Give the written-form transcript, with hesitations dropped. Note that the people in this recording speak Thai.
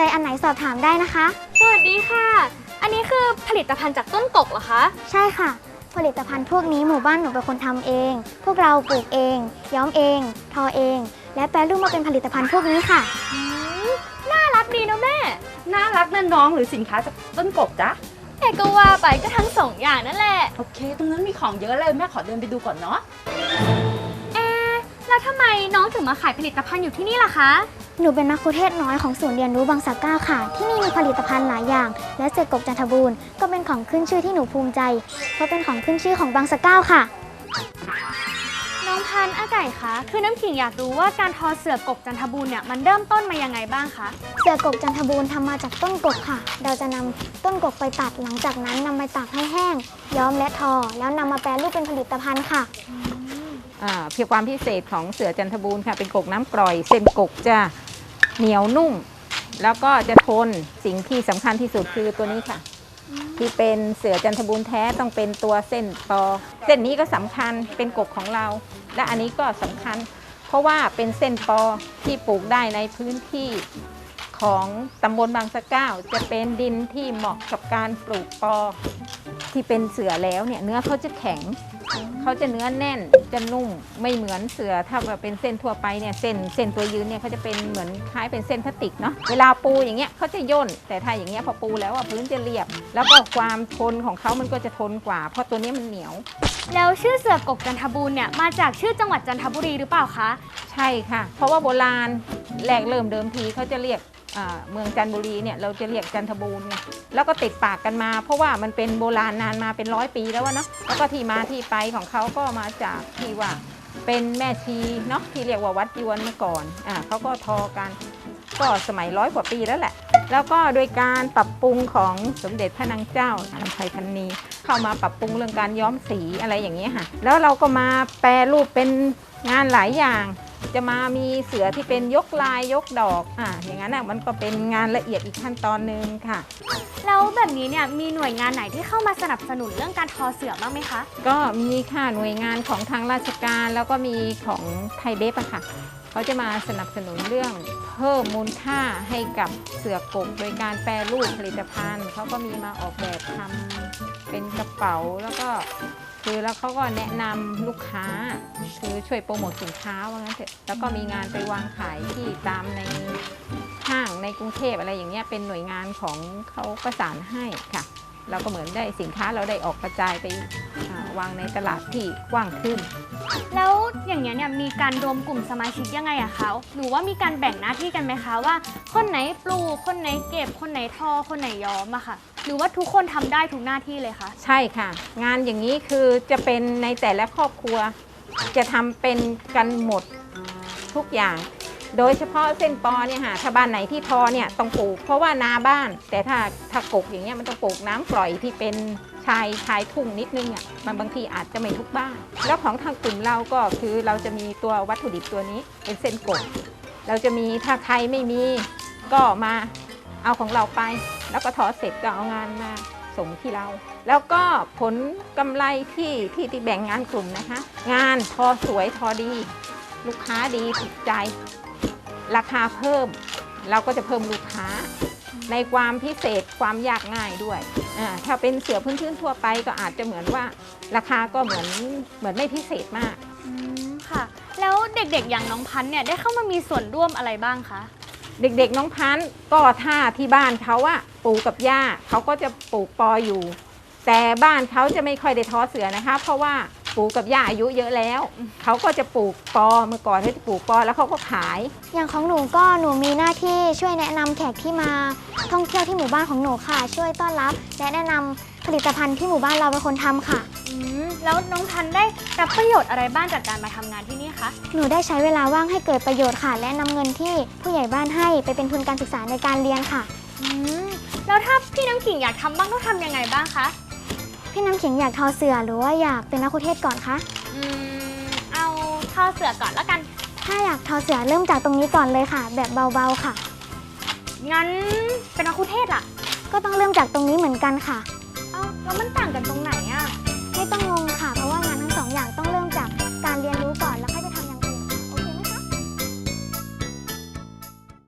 ใจอันไหนสอบถามได้นะคะสวัสดีค่ะอันนี้คือผลิตภัณฑ์จากต้นกกเหรอคะใช่ค่ะผลิตภัณฑ์พวกนี้หมู่บ้านหนูเป็นคนทำเองพวกเราปลูกเองย้อมเองทอเองและแปรรูปมาเป็นผลิตภัณฑ์พวกนี้ค่ะน่ารักดีนะแม่น่ารักนั่นน้องหรือสินค้าจากต้นกบจ๊ะแต่ก็ว่าไปก็ทั้งสองอย่างนั่นแหละโอเคตรงนั้นมีของเยอะเลยแม่ขอเดินไปดูก่อนเนาะแล้วทำไมน้องถึงมาขายผลิตภัณฑ์อยู่ที่นี่ล่ะคะหนูเป็นมัคคุเทศก์น้อยของศูนย์เรียนรู้บางสะเก้าค่ะที่นี่มีผลิตภัณฑ์หลายอย่างและเสือกกจันทบูรณ์ก็เป็นของขึ้นชื่อที่หนูภูมิใจเพราะเป็นของขึ้นชื่อของบางสะเก้าค่ะน้องพันธุ์อาไก่คะคือน้ำขิงอยากรู้ว่าการทอเสือกกจันทบูรณ์เนี่ยมันเริ่มต้นมายังไงบ้างคะเสือกกจันทบูรณ์ทำมาจากต้นกกค่ะเราจะนำต้นกกไปตัดหลังจากนั้นนำไปตากให้แห้งย้อมและทอแล้วนำมาแปรรูปเป็นผลิตภัณฑ์ค่ะเพียงความพิเศษของเสือจันทบูรณ์ค่ะเป็นกกน้ำกร่อยเส้นกกจะเหนียวนุ่มแล้วก็จะทนสิ่งที่สำคัญที่สุดคือตัวนี้ค่ะที่เป็นเสือจันทบูรณ์แท้ต้องเป็นตัวเส้นปอเส้นนี้ก็สำคัญเป็นกกของเราและอันนี้ก็สำคัญเพราะว่าเป็นเส้นปอที่ปลูกได้ในพื้นที่ของตำบลบางสะเก้าจะเป็นดินที่เหมาะกับการปลูกปอที่เป็นเสือแล้วเนี่ยเนื้อเขาจะแข็งเขาจะเนื้อแน่นจะนุ่มไม่เหมือนเสือถ้าเป็นเส้นทั่วไปเนี่ยเส้นตัวยืนเนี่ยเขาจะเป็นเหมือนคล้ายเป็นเส้นพลาสติกเนาะเวลาปูอย่างเงี้ยเขาจะย่นแต่ถ้าอย่างเงี้ยพอปูแล้วพื้นจะเรียบแล้วก็ความทนของเขามันก็จะทนกว่าเพราะตัวนี้มันเหนียวแล้วชื่อเสือกกจันทบูรณ์เนี่ยมาจากชื่อจังหวัดจันทบุรีหรือเปล่าคะใช่ค่ะเพราะว่าโบราณแรกเริ่มเดิมทีเขาจะเรียกเมืองจันทบุรีเนี่ยเราจะเรียกจันทบูรณ์ไงแล้วก็ติดปากกันมาเพราะว่ามันเป็นโบราณนานมาเป็น100 ปีแล้วเนาะแล้วก็ที่มาที่ไปของเขาก็มาจากที่ว่าเป็นแม่ชีเนาะที่เรียกว่าวัดยวนเมื่อก่อนเขาก็ทอกันก็สมัย100 กว่าปีแล้วแหละแล้วก็โดยการปรับปรุงของสมเด็จพระนางเจ้าอภัยพันนีเข้ามาปรับปรุงเรื่องการย้อมสีอะไรอย่างเงี้ยค่ะแล้วเราก็มาแปรรูปเป็นงานหลายอย่างจะมามีเสือที่เป็นยกลายยกดอกอย่างนั้นมันก็เป็นงานละเอียดอีกขั้นตอนนึงค่ะแล้วแบบนี้เนี่ยมีหน่วยงานไหนที่เข้ามาสนับสนุนเรื่องการทอเสือบ้างไหมคะก็มีค่ะหน่วยงานของทางราชการแล้วก็มีของไทยเบฟค่ะเขาจะมาสนับสนุนเรื่องเพิ่มมูลค่าให้กับเสือกกโดยการแปรรูปผลิตภัณฑ์เขาก็มีมาออกแบบทำเป็นกระเป๋าแล้วก็คือแล้วเขาก็แนะนำลูกค้าคือช่วยโปรโมทสินค้าว่างั้นเถอะแล้วก็มีงานไปวางขายที่ตามในห้างในกรุงเทพอะไรอย่างเงี้ยเป็นหน่วยงานของเขาประสานให้ค่ะเราก็เหมือนได้สินค้าเราได้ออกกระจายไปวางในตลาดที่กว้างขึ้นแล้วอย่างเงี้ยเนี่ยมีการรวมกลุ่มสมาชิกยังไงอะคะหรือว่ามีการแบ่งหน้าที่กันไหมคะว่าคนไหนปลูกคนไหนเก็บคนไหนทอคนไหนย้อมอะค่ะหรือว่าทุกคนทำได้ทุกหน้าที่เลยคะใช่ค่ะงานอย่างนี้คือจะเป็นในแต่ละครอบครัวจะทำเป็นกันหมดทุกอย่างโดยเฉพาะเส้นปอเนี่ยค่ะถ้าบ้านไหนที่ทอเนี่ยต้องปลูกเพราะว่านาบ้านแต่ถ้ากกอย่างเงี้ยมันต้องปลูกน้ำปล่อยที่เป็นชายทุ่งนิดนึงอ่ะมันบางทีอาจจะไม่ทุกบ้านแล้วของทางกลุ่มเราก็คือเราจะมีตัววัตถุดิบตัวนี้เป็นเส้นกกเราจะมีถ้าใครไม่มีก็มาเอาของเราไปแล้วก็ทอเสร็จก็เอางานมาส่งที่เราแล้วก็ผลกำไรที่แบ่งงานกลุ่มนะคะงานทอสวยทอดีลูกค้าดีถูกใจราคาเพิ่มเราก็จะเพิ่มลูกค้าในความพิเศษความยากง่ายด้วยถ้าเป็นเสือพื้นๆทั่วไปก็อาจจะเหมือนว่าราคาก็เหมือนไม่พิเศษมากค่ะแล้วเด็กๆอย่างน้องพันธุ์เนี่ยได้เข้ามามีส่วนร่วมอะไรบ้างคะเด็กๆน้องพันธุ์ก็ถ้าที่บ้านเขาอะปู่กับย่าเขาก็จะปลูกปออยู่แต่บ้านเขาจะไม่ค่อยได้ทอเสือนะคะเพราะว่าปู่กับย่าอายุเยอะแล้วเขาก็จะปลูกปอเมื่อก่อนเขาจะปลูกปอแล้วเขาก็ขายอย่างของหนูมีหน้าที่ช่วยแนะนำแขกที่มาท่องเที่ยวที่หมู่บ้านของหนูค่ะช่วยต้อนรับและแนะนำผลิตภัณฑ์ที่หมู่บ้านเราเป็นคนทำค่ะแล้วน้องพันธุ์ได้รับประโยชน์อะไรบ้างจากการมาทำงานที่นี่คะหนูได้ใช้เวลาว่างให้เกิดประโยชน์ค่ะและนำเงินที่ผู้ใหญ่บ้านให้ไปเป็นทุนการศึกษาในการเรียนค่ะแล้วถ้าพี่น้ำขิงอยากทำบ้างต้องทำยังไงบ้างคะพี่น้ำขิงอยากทอเสือหรือว่าอยากเป็นมัคคุเทศก์ก่อนคะเอาทอเสือก่อนแล้วกันถ้าอยากทอเสือเริ่มจากตรงนี้ก่อนเลยค่ะแบบเบาๆค่ะงั้นเป็นมัคคุเทศก์ล่ะก็ต้องเริ่มจากตรงนี้เหมือนกันค่ะแล้วมันต่างกันตรงไหน